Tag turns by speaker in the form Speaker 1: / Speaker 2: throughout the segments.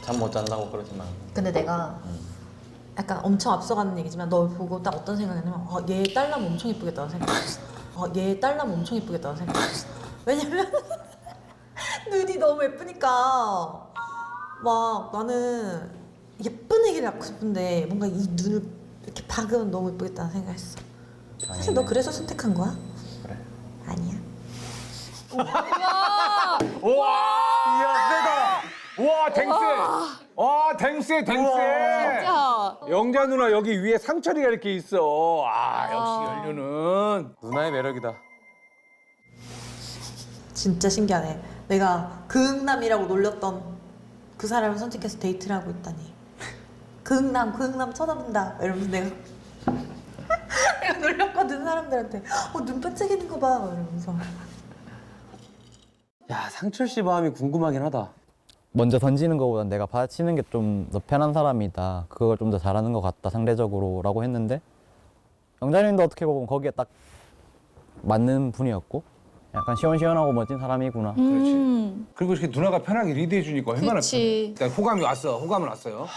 Speaker 1: 잠 못 잔다고 그러지만.
Speaker 2: 근데 내가 약간 엄청 앞서가는 얘기지만 널 보고 딱 어떤 생각이냐면 얘 딸라면 엄청 이쁘겠다는 생각했어. 얘 딸라면 엄청 이쁘겠다는 생각했어. 왜냐면 눈이 너무 예쁘니까 막 나는 예쁜 애기를 낳고 싶은데 뭔가 이 눈을 이렇게 박으면 너무 예쁘겠다는 생각했어. 사실 너 그래서 선택한 거야?
Speaker 1: 그래.
Speaker 2: 아니야.
Speaker 3: 우와! 이야, 세다! 우와, 댕세! 와, 댕세, 댕세!
Speaker 4: 진짜.
Speaker 3: 영자 누나 여기 위에 상처리가 이렇게 있어. 아, 역시 연류는.
Speaker 5: 누나의 매력이다.
Speaker 2: 진짜 신기하네. 내가 극남이라고 놀렸던 그 사람을 선택해서 데이트를 하고 있다니. 극남 쳐다본다. 이러면서 내가 내가 놀렸거든 사람들한테. 눈 반짝이는 거 봐. 이러면서.
Speaker 5: 야, 상철 씨 마음이 궁금하긴 하다.
Speaker 1: 먼저 던지는 것보다 내가 받아치는 게 좀 더 편한 사람이다. 그걸 좀 더 잘하는 것 같다 상대적으로라고 했는데 영자님도 어떻게 보면 거기에 딱 맞는 분이었고 약간 시원시원하고 멋진 사람이구나.
Speaker 3: 그리고 이렇게 누나가 편하게 리드해 주니까 얼마나
Speaker 4: 그치.
Speaker 3: 편해. 일단 호감이 왔어. 호감은 왔어요.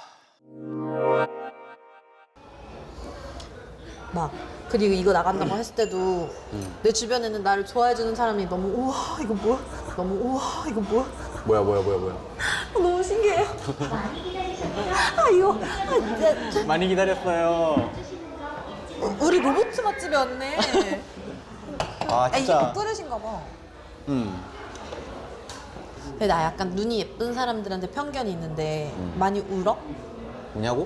Speaker 2: 막 그리고 이거 나간다고 했을 때도 내 주변에는 나를 좋아해주는 사람이 너무 우와 이거 뭐야? 너무 우와 이거 뭐야?
Speaker 5: 뭐야.
Speaker 2: 너무 신기해요. 이거
Speaker 5: 많이 기다렸어요.
Speaker 2: 우리 로봇 맛집에 왔네.
Speaker 5: 아,
Speaker 2: 이게
Speaker 5: 진짜.
Speaker 2: 뿌르신가 봐. 근데 나 약간 눈이 예쁜 사람들한테 편견이 있는데 많이 울어?
Speaker 5: 뭐냐고?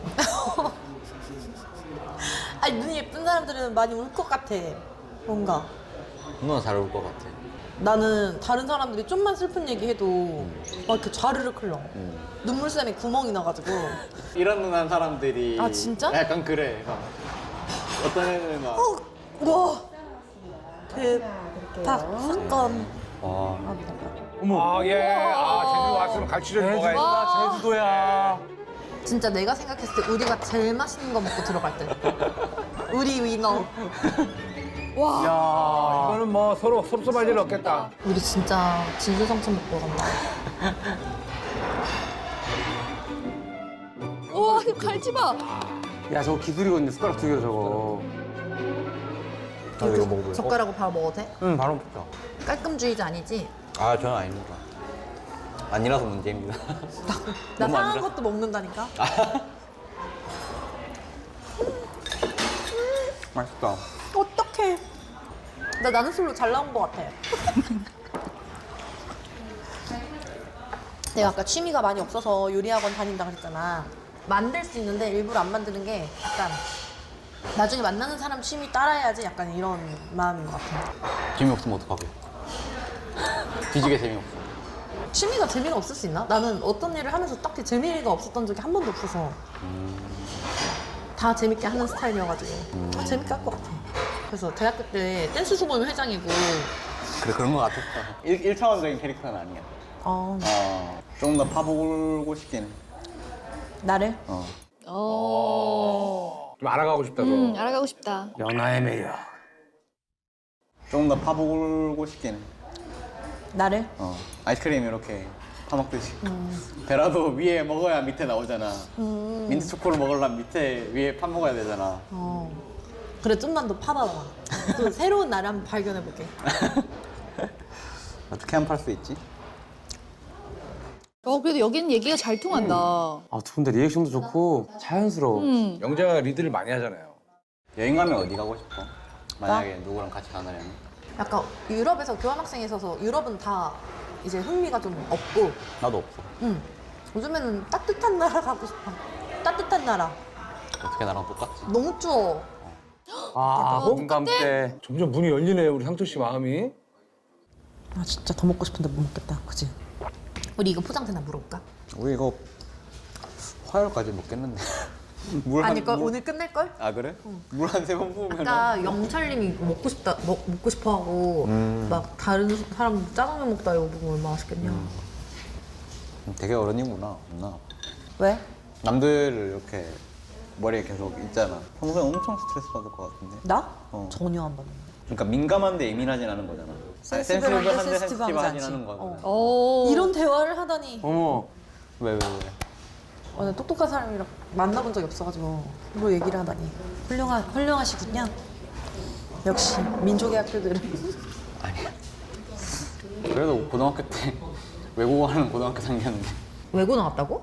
Speaker 2: 아니 눈이 예쁜 사람들은 많이 울 것 같아. 뭔가.
Speaker 5: 누나 잘 올 것 같아.
Speaker 2: 나는 다른 사람들이 좀만 슬픈 얘기해도 막 이렇게 좌르륵 흘러. 눈물샘에 구멍이 나가지고.
Speaker 5: 이런 누난 사람들이.
Speaker 2: 아, 진짜?
Speaker 5: 약간 그래. 막. 어떤 애는 막.
Speaker 2: 우와. 대박 사건.
Speaker 5: 와.
Speaker 3: 아, 예. 아, 제주도 왔으면 갈치를 먹어야지.
Speaker 5: 제주도가 제주도야.
Speaker 2: 진짜 내가 생각했을 때 우리가 제일 맛있는 거 먹고 들어갈 때. 우리 위너.
Speaker 3: 야, 이거는 뭐 서로 섭섭할 일 없겠다.
Speaker 2: 우리 진짜 진수성찬 먹고 간다.
Speaker 4: 우와, 이거 갈치 봐.
Speaker 5: 야, 저거 기술이거든요. 숟가락 두 개로 저거. 나도 이거 먹어볼래?
Speaker 2: 젓가락으로 바로 먹어도 돼?
Speaker 5: 응, 바로 먹자.
Speaker 2: 깔끔주의자 아니지?
Speaker 5: 아, 저는 아닙니다. 아니라서 문제입니다.
Speaker 2: 나
Speaker 5: 너무
Speaker 2: 상한
Speaker 5: 아니라?
Speaker 2: 것도 먹는다니까?
Speaker 5: 맛있다.
Speaker 2: 어떡해. 나는 술로 잘 나온 것 같아. 내가 아까 취미가 많이 없어서 요리학원 다닌다 그랬잖아. 만들 수 있는데 일부러 안 만드는 게 약간 나중에 만나는 사람 취미 따라해야지 약간 이런 마음인 것 같아.
Speaker 5: 재미없으면 어떡하게. 뒤지게 재미없어.
Speaker 2: 취미가 재미가 없을 수 있나? 나는 어떤 일을 하면서 딱히 재미가 없었던 적이 한 번도 없어서 다 재밌게 하는 스타일이어가지고 다 재밌게 할 것 같아. 그래서 대학교 때 댄스 수본 회장이고
Speaker 5: 그래, 그런 거 같았다. 1차원적인 캐릭터는 아니야. 조금 더 파보고 싶긴 해.
Speaker 2: 나를
Speaker 3: 좀 알아가고 싶다, 너.
Speaker 4: 알아가고 싶다.
Speaker 5: 연하의 매력. 조금 더 파보고 싶긴 해.
Speaker 2: 나를
Speaker 5: 아이스크림 이렇게 파먹듯이. 베라도 위에 먹어야 밑에 나오잖아. 민트 초코를 먹으려면 밑에 위에 파 먹어야 되잖아.
Speaker 2: 그래 좀만 더 파봐봐. 또 새로운 나를 한번 발견해볼게.
Speaker 5: 어떻게 하면 팔 수 있지?
Speaker 4: 그래도 여기는 얘기가 잘 통한다.
Speaker 6: 아, 두 분 다 리액션도 좋고 자연스러워.
Speaker 3: 영자가 리드를 많이 하잖아요.
Speaker 5: 여행 가면 어디 가고 싶어? 만약에 누구랑 같이 가느냐면.
Speaker 2: 약간 유럽에서 교환학생이 있어서 유럽은 다 이제 흥미가 좀 없고
Speaker 5: 나도 없어.
Speaker 2: 요즘에는 따뜻한 나라 가고 싶어. 따뜻한 나라.
Speaker 5: 어떻게 나랑 똑같지?
Speaker 2: 너무 추워.
Speaker 6: 아, 공감대.
Speaker 3: 점점 문이 열리네요, 우리 향토 씨 마음이.
Speaker 2: 아 진짜 더 먹고 싶은데 못 먹겠다. 그치? 우리 이거 포장되나 물어볼까?
Speaker 5: 우리 이거 화요일까지 먹겠는데.
Speaker 2: 아닐걸? 오늘 끝낼걸?
Speaker 5: 아, 그래? 물 한 세 번 부으면.
Speaker 2: 아까 영철님이 먹고 싶다, 먹고 싶어 하고 막 다른 사람 짜장면 먹다 이거 먹으면 얼마나 맛있겠냐.
Speaker 5: 되게 어른이구나. 나.
Speaker 2: 왜?
Speaker 5: 남들을 이렇게 머리에 계속 있잖아. 평소에 엄청 스트레스 받을 것 같은데.
Speaker 2: 나?
Speaker 5: 어.
Speaker 2: 전혀 안 받는데.
Speaker 5: 그러니까 민감한데 예민하진 않은 거잖아.
Speaker 2: 센시티브한데
Speaker 5: 센시티브하진
Speaker 2: 센시티브하지
Speaker 5: 않은
Speaker 2: 않지.
Speaker 5: 거잖아.
Speaker 4: 오.
Speaker 2: 이런 대화를 하다니.
Speaker 6: 어머,
Speaker 5: 왜?
Speaker 2: 나 똑똑한 사람이랑 만나본 적이 없어가지고 뭐 얘기를 하다니. 훌륭하시군요. 역시 민족의 학교들은.
Speaker 5: 그래도 고등학교 때 외국어 하는 고등학교 생겼는데.
Speaker 2: 외고 나왔다고?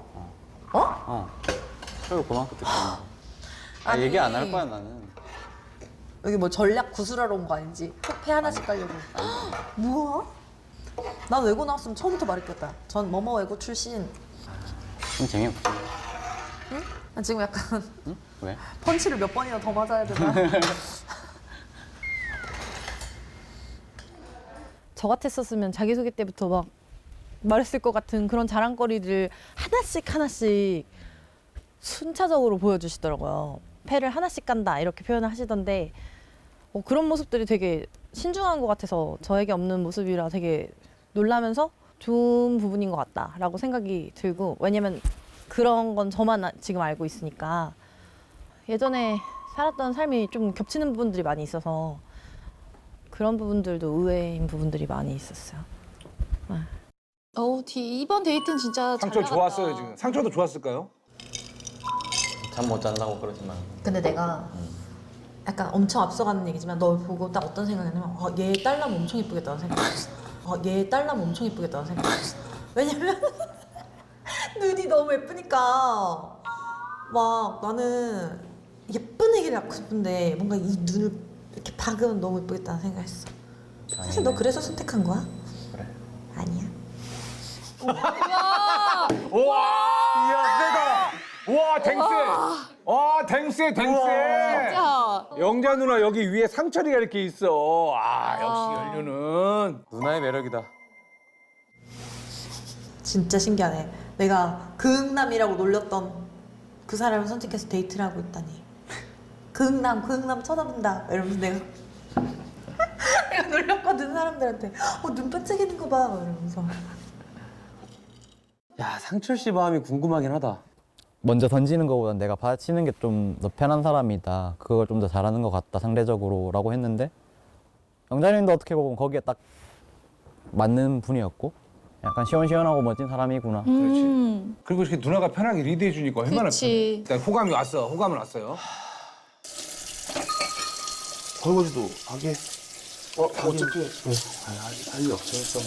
Speaker 5: 그래도 고등학교 때 그런 거.
Speaker 2: 아니.
Speaker 5: 얘기 안 할 거야 나는.
Speaker 2: 여기 뭐 전략 구술하러 온 거 아니지? 폐 하나씩 깔려고. 뭐야? 난 외고 나왔으면 처음부터 말했겠다. 전 뭐뭐 외고 출신.
Speaker 5: 좀 재미없지.
Speaker 2: 난 지금 약간
Speaker 5: 응? 왜?
Speaker 2: 펀치를 몇 번이나 더 맞아야 되나?
Speaker 7: 저 같았었으면 자기소개 때부터 막 말했을 것 같은 그런 자랑거리를 하나씩 순차적으로 보여주시더라고요. 패를 하나씩 간다 이렇게 표현을 하시던데 그런 모습들이 되게 신중한 것 같아서 저에게 없는 모습이라 되게 놀라면서 좋은 부분인 것 같다라고 생각이 들고, 왜냐면 그런 건 저만 지금 알고 있으니까 예전에 살았던 삶이 좀 겹치는 부분들이 많이 있어서 그런 부분들도 의외인 부분들이 많이 있었어요.
Speaker 4: 이번 데이트는 진짜 잘
Speaker 3: 상철
Speaker 4: 나갔다.
Speaker 3: 좋았어요 지금. 상철도 좋았을까요?
Speaker 5: 잠 못 잔다고 그러지만.
Speaker 2: 근데 내가 약간 엄청 앞서가는 얘기지만 널 보고 딱 어떤 생각이냐면 얘 딸라면 엄청 이쁘겠다는 생각했어. 얘 딸라면 엄청 이쁘겠다는 생각했어. 왜냐면 눈이 너무 예쁘니까 막 나는 예쁜 애기를 낳고 싶은데 뭔가 이 눈을 이렇게 박으면 너무 예쁘겠다는 생각했어. 사실 너 그래서 선택한 거야?
Speaker 5: 그래.
Speaker 2: 아니야.
Speaker 3: 우와! 이야 세다. 우와 댕세. 와 댕세.
Speaker 4: 진짜.
Speaker 3: 영자 누나 여기 위에 상철이가 이렇게 있어. 역시 연륜은.
Speaker 6: 누나의 매력이다.
Speaker 2: 진짜 신기하네. 내가 극남이라고 놀렸던 그 사람을 선택해서 데이트를 하고 있다니. 극남 쳐다본다 이러면서 내가 내가 놀렸거든 사람들한테. 눈 반짝이는 거 봐 이러면서.
Speaker 6: 야, 상철 씨 마음이 궁금하긴 하다.
Speaker 1: 먼저 던지는 것보단 내가 받아치는 게 좀 더 편한 사람이다. 그걸 좀 더 잘하는 것 같다 상대적으로라고 했는데, 영자님도 어떻게 보면 거기에 딱 맞는 분이었고, 약간 시원시원하고 멋진 사람이구나.
Speaker 3: 그렇지. 그리고 이렇게 누나가 편하게 리드해 주니까 얼마나
Speaker 4: 그치.
Speaker 3: 편해. 일단 호감이 왔어요.
Speaker 8: 설거지도 하게. 어차피 할 일 없어요.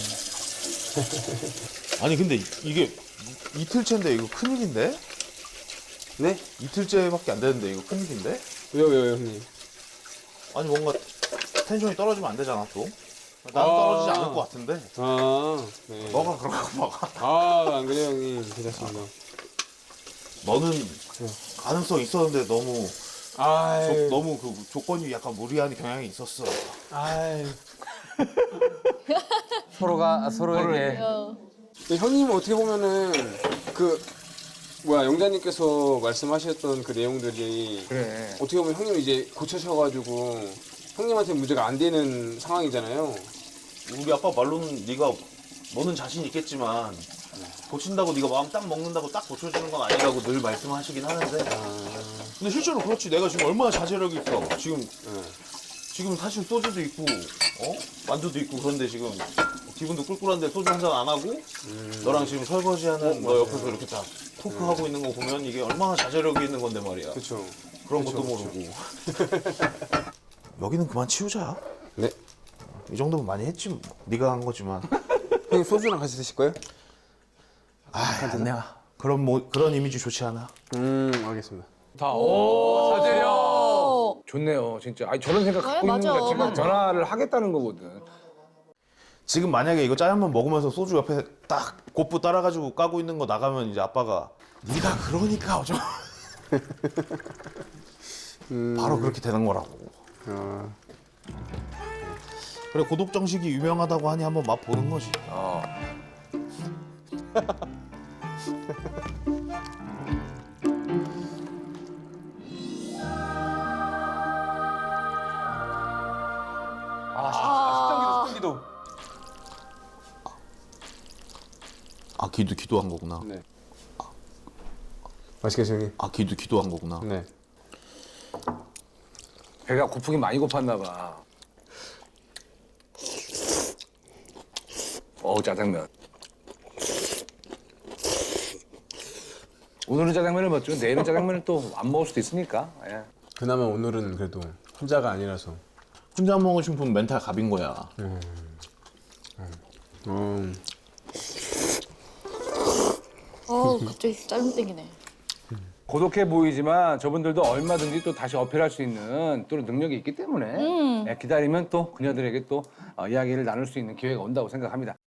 Speaker 8: 아니 근데 이게 이틀째인데 이거 큰일인데?
Speaker 6: 네?
Speaker 8: 이틀째밖에 안 되는데 이거 큰일인데?
Speaker 6: 왜요, 형님?
Speaker 8: 아니 뭔가 텐션이 떨어지면 안 되잖아 또. 나는 떨어지지 않을 것 같은데.
Speaker 6: 네.
Speaker 8: 너가 그렇고 막아.
Speaker 6: 안 그래요, 형님. 괜찮습니다.
Speaker 8: 너는 가능성 있었는데 너무 너무 그 조건이 약간 무리한 경향이 있었어.
Speaker 6: 서로가 서로에게. 형님 어떻게 보면은 영자님께서 말씀하셨던 그 내용들이
Speaker 3: 그래.
Speaker 6: 어떻게 보면 형님 이제 고쳐셔가지고 형님한테 문제가 안 되는 상황이잖아요.
Speaker 8: 우리 아빠 말로는 너는 자신 있겠지만 고친다고 네가 마음 딱 먹는다고 딱 고쳐주는 건 아니라고 늘 말씀하시긴 하는데. 근데 실제로 그렇지. 내가 지금 얼마나 자제력이 있어. 지금 사실 소주도 있고, 만두도 있고 그런데 지금 기분도 꿀꿀한데 소주 한 잔 안 하고 너랑 지금 설거지하는 너 옆에서 이렇게 다 토크하고 있는 거 보면 이게 얼마나 자제력이 있는 건데 말이야.
Speaker 6: 그렇죠.
Speaker 8: 그런 것도 모르고. 여기는 그만 치우자.
Speaker 6: 네.
Speaker 8: 이 정도면 많이 했지 뭐. 네가 한 거지만.
Speaker 6: 형님 소주랑 같이 드실 거예요?
Speaker 8: 내가 그런 이미지 좋지 않아.
Speaker 6: 알겠습니다.
Speaker 3: 자제력. 좋네요, 진짜. 아니 저런 생각 갖고 있는
Speaker 4: 맞아,
Speaker 3: 거 지금
Speaker 4: 맞아.
Speaker 3: 변화를 하겠다는 거거든.
Speaker 8: 지금 만약에 이거 짜장면 먹으면서 소주 옆에 딱 곧부 따라가지고 까고 있는 거 나가면 이제 아빠가 네가 그러니까 어쩌 바로 그렇게 되는 거라고. 그래 고독 정식이 유명하다고 하니 한번 맛 보는 거지.
Speaker 6: 숙성기도.
Speaker 8: 아 기도한 거구나.
Speaker 6: 네. 맛있겠어요, 형님?
Speaker 8: 아 기도한 거구나.
Speaker 6: 네.
Speaker 3: 배가 고프긴 많이 고팠나 봐. 짜장면. 오늘은 짜장면을 먹지만 내일은 짜장면을 또 안 먹을 수도 있으니까. 예.
Speaker 6: 그나마 오늘은 그래도 혼자가 아니라서.
Speaker 8: 혼자 먹으신 분 멘탈 갑인 거야.
Speaker 4: 갑자기 짜증 땡기네.
Speaker 3: 고독해 보이지만 저분들도 얼마든지 또 다시 어필할 수 있는 또 능력이 있기 때문에 예, 기다리면 또 그녀들에게 또 이야기를 나눌 수 있는 기회가 온다고 생각합니다.